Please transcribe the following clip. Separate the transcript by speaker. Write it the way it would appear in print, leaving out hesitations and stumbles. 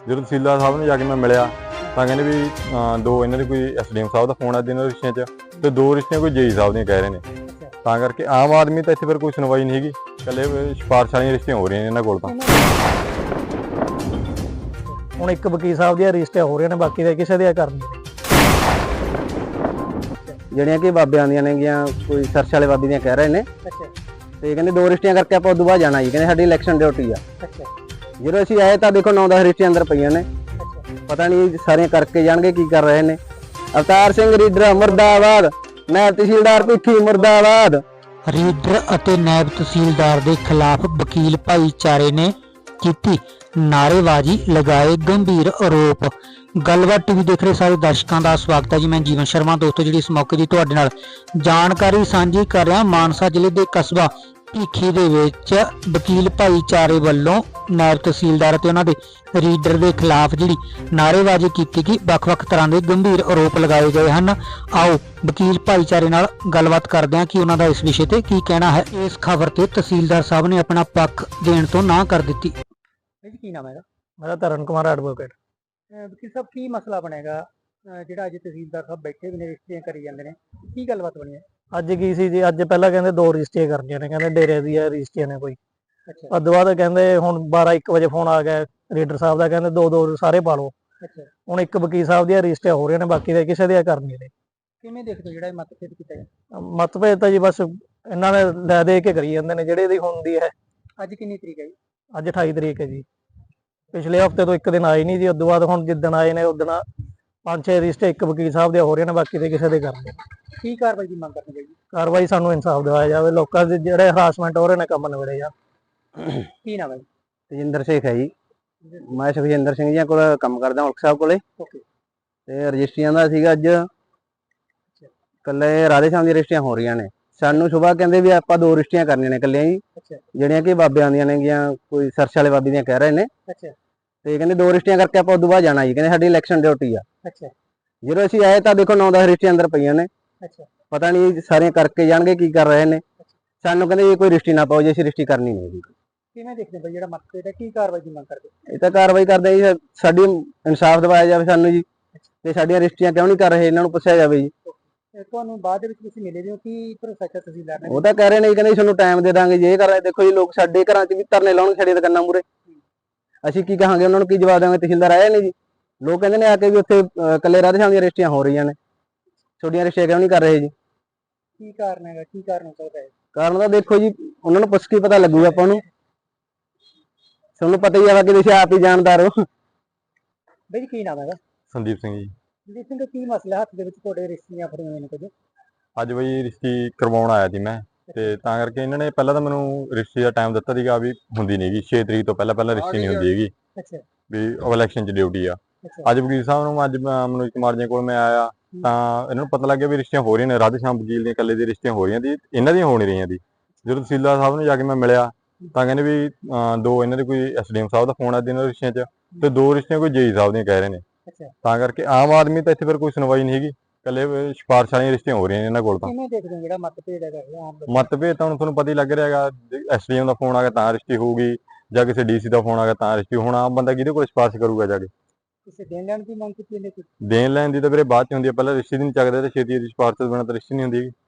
Speaker 1: ਜਦੋਂ ਤਹਿਸੀਲਦਾਰ ਸਾਹਿਬ ਨੂੰ ਜਾ ਕੇ ਮੈਂ ਮਿਲਿਆ ਤਾਂ ਕਹਿੰਦੇ ਵੀ ਦੋ ਇਹਨਾਂ ਦੇ ਕੋਈ ਐਸਡੀਐਮ ਸਾਹਿਬ ਦਾ ਫੋਨ ਆ ਦਿਨ ਰਿਸ਼ਤਿਆਂ 'ਚ ਤੇ ਦੋ ਰਿਸ਼ਤਿਆਂ ਕੋਈ ਜੇਈ ਸਾਹਿਬ ਦੀਆਂ ਕਹਿ ਰਹੇ ਨੇ। ਤਾਂ ਕਰਕੇ ਆਮ ਆਦਮੀ ਤਾਂ ਇੱਥੇ ਫਿਰ ਕੋਈ ਸੁਣਵਾਈ ਨਹੀਂ ਹੈਗੀ, ਇਕੱਲੇ ਸਿਫਾਰਿਸ਼ ਵਾਲੀਆਂ ਰਿਸ਼ਤਿਆਂ ਹੋ ਰਹੀਆਂ ਨੇ ਇਹਨਾਂ ਕੋਲ। ਤਾਂ
Speaker 2: ਹੁਣ ਇੱਕ ਵਕੀਲ ਸਾਹਿਬ ਦੀਆਂ ਰਿਸ਼ਤਿਆਂ ਹੋ ਰਹੀਆਂ ਨੇ, ਬਾਕੀ ਦੇ ਕਿਸੇ ਦੀਆਂ ਕਰਨੀ
Speaker 3: ਜਿਹੜੀਆਂ ਕਿ ਬਾਬਿਆਂ ਦੀਆਂ ਨੇਗੀਆਂ, ਕੋਈ ਸਰਸ਼ ਵਾਲੇ ਬਾਬੇ ਦੀਆਂ ਕਹਿ ਰਹੇ ਨੇ। ਤੇ ਕਹਿੰਦੇ ਦੋ ਰਿਸ਼ਤਿਆਂ ਕਰਕੇ ਆਪਾਂ ਉਦੋਂ ਬਾਅਦ ਜਾਣਾ ਜੀ, ਕਹਿੰਦੇ ਸਾਡੀ ਇਲੈਕਸ਼ਨ ਡਿਊਟੀ ਆ। ਜਦੋਂ ਅਸੀਂ ਆਏ ਤਾਂ ਦੇਖੋ 9-10 ਰਿਸ਼ਤੇ ਅੰਦਰ ਪਈਆਂ ਨੇ, ਪਤਾ ਨਹੀਂ ਸਾਰੀਆਂ ਕਰਕੇ ਜਾਣਗੇ ਕੀ ਕਰ ਰਹੇ ਨੇ। ਅਵਤਾਰ ਸਿੰਘ ਰੀਡਰ ਮੁਰਦਾਬਾਦ, ਨਾਇਬ ਤਹਿਸੀਲਦਾਰ ਭਿੱਖੀ ਮੁਰਦਾਬਾਦ।
Speaker 4: ਰੀਡਰ ਅਤੇ ਨਾਇਬ ਤਹਿਸੀਲਦਾਰ ਦੇ ਖਿਲਾਫ ਵਕੀਲ ਭਾਈਚਾਰੇ ਨੇ ਕੀਤੀ ਨਾਅਰੇਬਾਜ਼ੀ, ਲਗਾਏ ਗੰਭੀਰ ਆਰੋਪ। ਗੱਲਬਾਤ ਟੀਵੀ ਦੇਖ ਰਹੇ ਸਾਰੇ ਦਰਸ਼ਕਾਂ ਦਾ ਸਵਾਗਤ ਹੈ ਜੀ। ਮੈਂ ਜੀਵਨ ਸ਼ਰਮਾ। ਦੋਸਤੋ, ਜਿਹੜੀ ਇਸ ਮੌਕੇ ਦੀ ਤੁਹਾਡੇ ਨਾਲ ਜਾਣਕਾਰੀ ਸਾਂਝੀ ਕਰ ਰਿਹਾ, ਮਾਨਸਾ ਜ਼ਿਲ੍ਹੇ ਦੇ ਕਸਬਾ ਭਿੱਖੀ ਦੇ ਵਿੱਚ ਵਕੀਲ ਭਾਈਚਾਰੇ ਵੱਲੋਂ ਨਾਇਬ ਤਹਿਸੀਲਦਾਰ ਅਤੇ ਉਹਨਾਂ ਦੇ ਰੀਡਰ ਦੇ ਖਿਲਾਫ ਜਿਹੜੀ ਨਾਅਰੇਬਾਜ਼ੀ ਕੀਤੀ ਗਈ, ਵੱਖ-ਵੱਖ ਤਰ੍ਹਾਂ ਦੇ ਗੰਭੀਰ ਆਰੋਪ ਲਗਾਏ ਗਏ ਹਨ। ਆਓ ਵਕੀਲ ਭਾਈਚਾਰੇ ਨਾਲ ਗੱਲਬਾਤ ਕਰਦੇ ਹਾਂ ਕਿ ਉਹਨਾਂ ਦਾ ਇਸ ਵਿਸ਼ੇ ਤੇ ਕੀ ਕਹਿਣਾ ਹੈ। ਇਸ ਖਬਰ ਤੇ ਤਹਿਸੀਲਦਾਰ ਸਾਹਿਬ ਨੇ ਆਪਣਾ ਪੱਖ ਦੇਣ ਤੋਂ ਨਾ ਕਰ ਦਿੱਤੀ।
Speaker 2: ਕੀ ਨਾਮ ਹੈਗਾ? ਮੇਰਾ ਤਰਨ ਕੁਮਾਰ ਐਡਵੋਕੇਟ। ਵਕੀਲ ਸਾਹਿਬ, ਕੀ ਮਸਲਾ ਬਣੇਗਾ ਜਿਹੜਾ ਅੱਜ ਤਹਿਸੀਲਦਾਰ ਸਾਹਿਬ ਬੈਠੇ ਵੀ ਨੇ, ਰਿਸ਼ਤੀਆਂ ਕਰੀ ਜਾਂਦੇ ਨੇ, ਕੀ ਗੱਲਬਾਤ ਬਣੀ ਹੈ? ਅੱਜ ਕੀ ਸੀ ਜੀ, ਅੱਜ ਪਹਿਲਾਂ ਕਹਿੰਦੇ ਦੋ ਰਜਿਸਟਰੀਆਂ ਕਰਨੀਆਂ ਨੇ, ਕਹਿੰਦੇ ਡੇਰੇ ਦੀਆਂ ਰਜਿਸਟਰੀਆਂ ਨੇ ਕੋਈ। ਉਸ ਤੋਂ ਬਾਅਦ ਕਹਿੰਦੇ ਹੁਣ 12-1 ਵਜੇ ਫੋਨ ਆ ਗਿਆ ਰੀਡਰ ਸਾਹਿਬ ਦਾ, ਕਹਿੰਦੇ ਦੋ ਸਾਰੇ ਪਾ ਲਓ। ਹੁਣ ਇੱਕ ਵਕੀਲ ਸਾਹਿਬ ਦੀਆਂ ਰਜਿਸਟਰੀਆਂ ਹੋ ਰਹੀਆਂ ਨੇ, ਬਾਕੀ ਦੇ ਕਿਸੇ ਦੀਆਂ ਕਰਨੀਆਂ ਨੇ। ਕਿਵੇਂ ਦੇਖਦੇ ਹੋ ਜਿਹੜਾ ਇਹ ਮਤਭੇਦ ਕੀਤਾ ਹੈ? ਮਤਭੇਦ ਤਾਂ ਜੀ ਬਸ ਇਹਨਾਂ ਨੇ ਲੈ ਦੇ ਕੇ ਕਰੀ ਜਾਂਦੇ ਨੇ, ਜਿਹੜੇ ਦੀ ਹੁੰਦੀ ਹੈ। ਅੱਜ ਕਿੰਨੀ ਤਰੀਕ ਹੈ ਜੀ? ਅੱਜ 28 ਤਰੀਕ ਹੈ ਜੀ। ਪਿਛਲੇ ਹਫ਼ਤੇ ਤੋਂ ਇੱਕ ਦਿਨ ਆਏ ਨਹੀਂ ਜੀ, ਉਸ ਤੋਂ ਬਾਅਦ ਹੁਣ ਜਿੱਦਣ ਆਏ ਨੇ ਉਦਣ 5-6 ਰਜਿਸਟਰ ਇੱਕ ਵਕੀਲ ਸਾਹਿਬ ਦੇ ਹੋ ਰਹੇ ਨੇ, ਬਾਕੀ ਦੇ ਕਿਸੇ ਦੇ ਕਰਨੇ। ਕੀ ਕਾਰਵਾਈ ਦੀ ਮੰਗ ਕਰਨੀ ਚਾਹੀਦੀ? ਕਾਰਵਾਈ ਸਾਨੂੰ ਇਨਸਾਫ ਦਿਵਾਇਆ ਜਾਵੇ, ਲੋਕਾਂ ਦੇ ਜਿਹੜੇ ਹਰਾਸਮੈਂਟ ਹੋ ਰਹੇ ਨੇ ਕੰਮ ਨਿਬੜੇ ਜਾ। ਕੀ ਨਾਮ ਹੈ ਜੀ?
Speaker 3: ਤੇਜਿੰਦਰ ਸ਼ੇਖ ਹੈ ਜੀ। ਮੈਂ ਸੁਖਜਿੰਦਰ ਸਿੰਘ ਜੀ ਕੋਲ ਕੰਮ ਕਰਦਾ, ਉਲਕ ਸਾਹਿਬ ਕੋਲੇ। ਤੇ ਰਜਿਸਟਰੀਆਂ ਦਾ ਸੀਗਾ ਅੱਜ ਕੱਲੇ ਰਾਧੇ ਸ਼ਾਮ ਦੀਆਂ ਰਜਿਸਟਰੀਆਂ ਹੋ ਰਹੀਆਂ ਨੇ। ਸਾਨੂੰ ਸੁਬਾਹ ਕਹਿੰਦੇ ਵੀ ਆਪਾਂ ਦੋ ਰਜਿਸਟਰੀਆਂ ਕਰਨੀਆਂ ਨੇ ਕੱਲੀਆਂ ਜੀ, ਜਿਹੜੀਆਂ ਕਿ ਬਾਬਿਆਂ ਦੀਆਂ ਨੇਗੀਆਂ, ਕੋਈ ਸਰਸ਼ ਵਾਲੇ ਬਾਬੇ ਦੀਆਂ ਕਹਿ ਰਹੇ ਨੇ। ਤੇ ਕਹਿੰਦੇ ਦੋ ਰਿਸ਼ਤਿਆਂ ਕਰਕੇ ਆਪਾਂ ਉਦੋਂ ਬਾਅਦ ਜਾਣਾ ਜੀ, ਕਹਿੰਦੇ ਸਾਡੀ ਇਲੈਕਸ਼ਨ ਡਿਊਟੀ ਆ। ਜਦੋਂ ਅਸੀਂ ਆਏ ਤਾਂ ਦੇਖੋ 9-10 ਰਿਸ਼ਤੇ ਅੰਦਰ ਪਈਆਂ ਨੇ, ਪਤਾ ਨਹੀਂ ਸਾਰੀਆਂ ਕਰਕੇ ਜਾਣਗੇ ਕੀ ਕਰ ਰਹੇ ਨੇ। ਸਾਨੂੰ ਕਹਿੰਦੇ ਇਹ ਕੋਈ ਰਿਸ਼ਤੀ ਨਾ ਪਾਓ ਜੇ ਅਸੀਂ ਰਿਸ਼ਤੀ ਕਰਨੀ ਨਹੀਂ।
Speaker 2: ਕਿਵੇਂ ਦੇਖਦੇ ਬਈ ਜਿਹੜਾ ਮਤਭੇਦ ਹੈ, ਕੀ ਕਾਰਵਾਈ ਦੀ ਮੰਗ ਕਰਦੇ?
Speaker 3: ਇਹ ਤਾਂ ਕਾਰਵਾਈ ਕਰਦੇ ਜੀ, ਸਾਡੀ ਇਨਸਾਫ ਦਿਵਾਇਆ ਜਾਵੇ ਸਾਨੂੰ ਜੀ, ਤੇ ਸਾਡੀਆਂ ਰਿਸ਼ਤੀਆਂ ਕਿਉਂ ਨਹੀਂ ਕਰ ਰਹੇ ਇਹਨਾਂ ਨੂੰ ਪੁੱਛਿਆ ਜਾਵੇ ਜੀ।
Speaker 2: ਤੁਹਾਨੂੰ ਬਾਅਦ ਦੇ ਵਿੱਚ ਤੁਸੀਂ ਮਿਲੇ ਹੋ ਕੀ ਪ੍ਰੋਸੈਸ ਤਹਿਸੀਲਦਾਰ ਨੇ?
Speaker 3: ਉਹ ਤਾਂ ਕਹਿ ਰਹੇ ਨੇ, ਕਹਿੰਦੇ ਤੁਹਾਨੂੰ ਟਾਈਮ ਦੇ ਦਾਂਗੇ ਜੇ ਕਰ ਰਹੇ। ਦੇਖੋ ਜੀ, ਲੋਕ ਸਾਡੇ ਘਰਾਂ 'ਚ ਵੀ ਧਰਨੇ ਲਾਉਣ ਸਾਡੀਆਂ ਦੁਕਾਨਾਂ ਮੂਹਰੇ, ਅਸੀਂ ਕੀ ਕਹਾਂਗੇ ਉਹਨਾਂ ਨੂੰ, ਕੀ ਜਵਾਬ ਦੇਵਾਂਗੇ? ਤਹਿਸੀਲਦਾਰ ਆਏ ਨਹੀਂ ਜੀ। ਲੋਕ ਕਹਿੰਦੇ ਨੇ ਆ ਕੇ ਵੀ ਉੱਥੇ ਕੱਲੇ ਰਾਧੇ ਸ਼ਾਮ ਦੀਆਂ ਰਜਿਸਟਰੀਆਂ ਹੋ ਰਹੀਆਂ ਨੇ, ਛੋਟੀਆਂ ਰਜਿਸਟਰੀਆਂ ਕਿਉਂ ਨਹੀਂ ਕਰ ਰਹੇ ਜੀ?
Speaker 2: ਕੀ ਕਾਰਨ ਹੈਗਾ? ਕੀ ਕਾਰਨ ਹੋ ਸਕਦਾ ਹੈ?
Speaker 3: ਕਾਰਨ ਤਾਂ ਦੇਖੋ ਜੀ, ਉਹਨਾਂ ਨੂੰ ਪੁੱਛ ਕੇ ਪਤਾ ਲੱਗੂਗਾ ਆਪਾਂ ਨੂੰ। ਤੁਹਾਨੂੰ ਪਤਾ ਹੀ ਆ ਕਿ ਤੁਸੀਂ ਆਪ ਹੀ ਜਾਣਦਾਰ ਹੋ।
Speaker 2: ਬਈ ਕੀ ਨਾਮ ਹੈਗਾ?
Speaker 1: ਸੰਦੀਪ ਸਿੰਘ ਜੀ।
Speaker 2: ਸੰਦੀਪ ਸਿੰਘ, ਕੀ ਮਸਲਾ ਹੱਥ ਦੇ ਵਿੱਚ ਤੁਹਾਡੇ ਰਿਸ਼ਤੀਆਂ ਫੜੀਆਂ ਹੋਈਆਂ ਨੇ ਕੁਝ?
Speaker 1: ਅੱਜ ਬਈ ਰਿਸ਼ਤੀ ਕਰਵਾਉਣ ਆਇਆ ਸੀ ਮੈਂ, ਤੇ ਤਾਂ ਕਰਕੇ ਇਹਨਾਂ ਨੇ ਪਹਿਲਾਂ ਤਾਂ ਮੈਨੂੰ ਰਿਸ਼ਤੀ ਦਾ ਟਾਈਮ ਦਿੱਤਾ ਸੀਗਾ ਵੀ ਹੁੰਦੀ ਨਹੀਂ ਗੀ, 6 ਤਰੀਕ ਤੋਂ ਪਹਿਲਾਂ ਰਿਸ਼ਤੀ ਨਹੀਂ ਹੁੰਦੀ ਹੈਗੀ, ਵੀ ਇਲੈਕਸ਼ਨ 'ਚ ਡਿਊਟੀ ਆ। ਅੱਜ ਵਕੀਲ ਸਾਹਿਬ ਨੂੰ, ਅੱਜ ਮਨੋਜ ਕੁਮਾਰ ਜੀ ਕੋਲ ਮੈਂ ਆਇਆ ਤਾਂ ਇਹਨਾਂ ਨੂੰ ਪਤਾ ਲੱਗਿਆ ਵੀ ਰਿਸ਼ਤੀਆਂ ਹੋ ਰਹੀਆਂ ਨੇ, ਰਾਧੇ ਸ਼ਾਮ ਵਕੀਲ ਦੀਆਂ ਇਕੱਲੇ ਦੀ ਰਿਸ਼ਤੀਆਂ ਹੋ ਰਹੀਆਂ ਦੀ, ਇਹਨਾਂ ਦੀਆਂ ਹੋ ਨਹੀਂ ਰਹੀਆਂ ਦੀ। ਜਦੋਂ ਤਹਿਸੀਲਦਾਰ ਸਾਹਿਬ ਨੂੰ ਜਾ ਕੇ ਮੈਂ ਮਿਲਿਆ ਤਾਂ ਕਹਿੰਦੇ ਵੀ ਦੋ ਇਹਨਾਂ ਦੇ ਕੋਈ ਐਸਡੀਐਮ ਸਾਹਿਬ ਦਾ ਫੋਨ ਆ ਦਿਨ ਰਿਸ਼ਤਿਆਂ 'ਚ ਤੇ ਦੋ ਰਿਸ਼ਤੀਆਂ ਕੋਈ ਜੇਈ ਸਾਹਿਬ ਦੀਆਂ ਕਹਿ ਰਹੇ ਨੇ। ਤਾਂ ਕਰਕੇ ਆਮ ਆਦਮੀ ਤਾਂ ਇੱਥੇ ਫਿਰ ਕੋਈ ਸੁਣਵਾਈ ਨਹੀਂ ਹੈਗੀ, ਇਕੱਲੇ ਸਿਫਾਰਿਸ਼ ਵਾਲੀਆਂ ਰਿਸ਼ਤੀਆਂ ਹੋ ਰਹੀਆਂ ਨੇ ਇਹਨਾਂ ਕੋਲ। ਤਾਂ
Speaker 2: ਕਿਵੇਂ ਦੇਖਦੇ ਹੋ ਜਿਹੜਾ ਮਤਭੇਦ ਹੈਗਾ?
Speaker 1: ਮਤਭੇਦ ਤਾਂ ਹੁਣ ਤੁਹਾਨੂੰ ਪਤਾ ਹੀ ਲੱਗ ਰਿਹਾ ਹੈਗਾ, ਐਸਡੀਐਮ ਦਾ ਫੋਨ ਆ ਗਿਆ ਤਾਂ ਰਿਸ਼ਤੀ ਹੋਊਗੀ, ਜਾਂ ਕਿਸੇ ਡੀਸੀ ਦਾ ਫੋਨ ਆ ਗਿਆ ਤਾਂ ਰਿਸ਼ਤੀ। ਹੁਣ ਆਮ ਬੰਦਾ ਕਿਹਦੇ ਕੋਲ ਸਿਫਾਰਿਸ਼ ਕਰੂਗਾ ਜਾ ਕੇ?
Speaker 2: ਕਿਸੇ ਦੇਣ ਲੈਣ ਦੀ ਮੰਗ ਕੀਤੀ ਇਹਨੇ?
Speaker 1: ਦੇਣ ਲੈਣ ਦੀ ਤਾਂ ਵੀਰੇ ਬਾਅਦ 'ਚ ਹੁੰਦੀ ਹੈ, ਪਹਿਲਾਂ ਰਿਸ਼ਤੇ ਦੀ ਨਹੀਂ ਚੱਕਦੇ ਤੇ ਛੇਤੀ ਦੀ ਸਿਫਾਰਿਸ਼ ਤੋਂ ਬਿਨਾਂ ਤਾਂ ਰਿਸ਼ਤੇ ਨਹੀਂ ਹੁੰਦੀ।